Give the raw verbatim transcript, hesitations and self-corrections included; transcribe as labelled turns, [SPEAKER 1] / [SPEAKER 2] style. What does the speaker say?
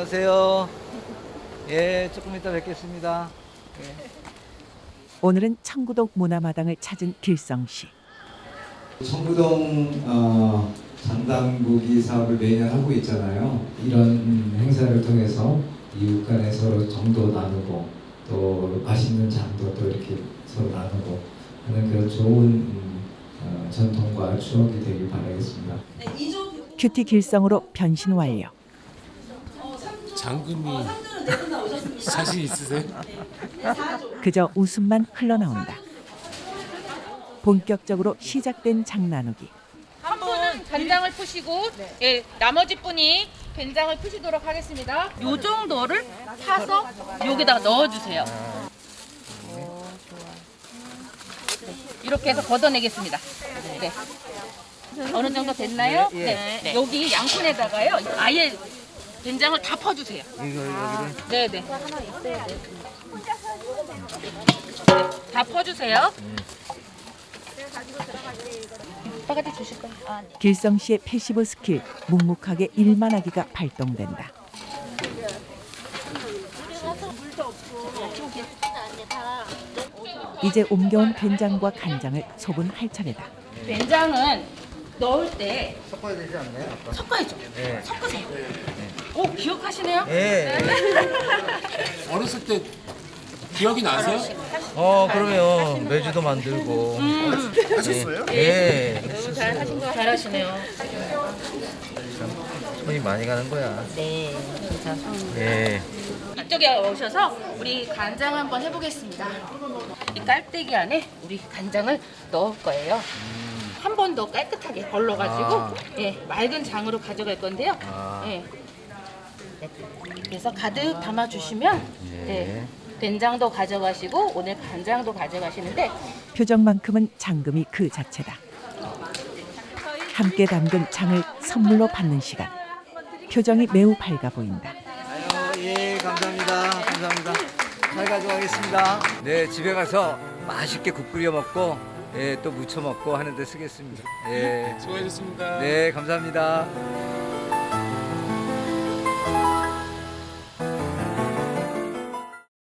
[SPEAKER 1] 안녕하세요. 예, 조금 이따 뵙겠습니다. 예.
[SPEAKER 2] 오늘은 청구동 문화마당을 찾은 길성 씨.
[SPEAKER 3] 청구동 어, 장당무기 사업을 매년 하고 있잖아요. 이런 행사를 통해서 이웃 간에 서로 정도 나누고 또 맛있는 장도 또 이렇게 서로 나누고 하는 그런 좋은 음, 어, 전통과 추억이 되길 바라겠습니다.
[SPEAKER 2] 큐티 길성으로 변신 완료.
[SPEAKER 4] 장금이 자신 있으세요?
[SPEAKER 2] 그저 웃음만 흘러나온다. 본격적으로 시작된 장나누기.
[SPEAKER 5] 한 분은 간장을 푸시고 예, 나머지 분이 된장을 푸시도록 하겠습니다. 요 정도를 파서 여기다가 넣어주세요. 네, 이렇게 해서 걷어내겠습니다. 네. 어느 정도 됐나요?
[SPEAKER 1] 예, 예.
[SPEAKER 5] 네. 네. 여기 양푼에다가요. 아예 된장을 다 퍼주세요.
[SPEAKER 1] 이거 여기를
[SPEAKER 5] 네네. 네, 다 퍼주세요. 오빠한테 주실 거예요. 아, 네.
[SPEAKER 2] 길성 씨의 패시브 스킬 묵묵하게 일만 하기가 발동된다. 이제 옮겨온 된장과 간장을 소분 할 차례다.
[SPEAKER 5] 된장은 넣을 때
[SPEAKER 1] 섞어야 되지 않나요? 아빠?
[SPEAKER 5] 섞어야죠.
[SPEAKER 1] 네.
[SPEAKER 5] 섞으세요. 오, 기억하시네요?
[SPEAKER 1] 예.
[SPEAKER 4] 어렸을 때 기억이 나세요?
[SPEAKER 1] 어, 그러면 매주도 만들고. 하셨어요? 예.
[SPEAKER 5] 너무 잘하신 거 잘하시네요.
[SPEAKER 1] 손이 많이 가는 거야.
[SPEAKER 5] 네, 진짜.
[SPEAKER 1] 예.
[SPEAKER 5] 이쪽에 오셔서 우리 간장 한번 해보겠습니다. 이 깔때기 안에 우리 간장을 넣을 거예요. 한 번 더 깨끗하게 걸러가지고
[SPEAKER 1] 아.
[SPEAKER 5] 예, 맑은 장으로 가져갈 건데요.
[SPEAKER 1] 아.
[SPEAKER 5] 예. 네. 그래서 가득 담아주시면
[SPEAKER 1] 예.
[SPEAKER 5] 네, 된장도 가져가시고 오늘 간장도 가져가시는데
[SPEAKER 2] 표정만큼은 장금이 그 자체다. 함께 담근 장을 선물로 받는 시간. 표정이 매우 밝아 보인다.
[SPEAKER 1] 아유, 예, 감사합니다. 감사합니다. 잘 가져가겠습니다. 네, 집에 가서 맛있게 국 끓여 먹고, 예, 또 무쳐 먹고 하는데 쓰겠습니다. 예.
[SPEAKER 4] 수고하셨습니다.
[SPEAKER 1] 네, 감사합니다.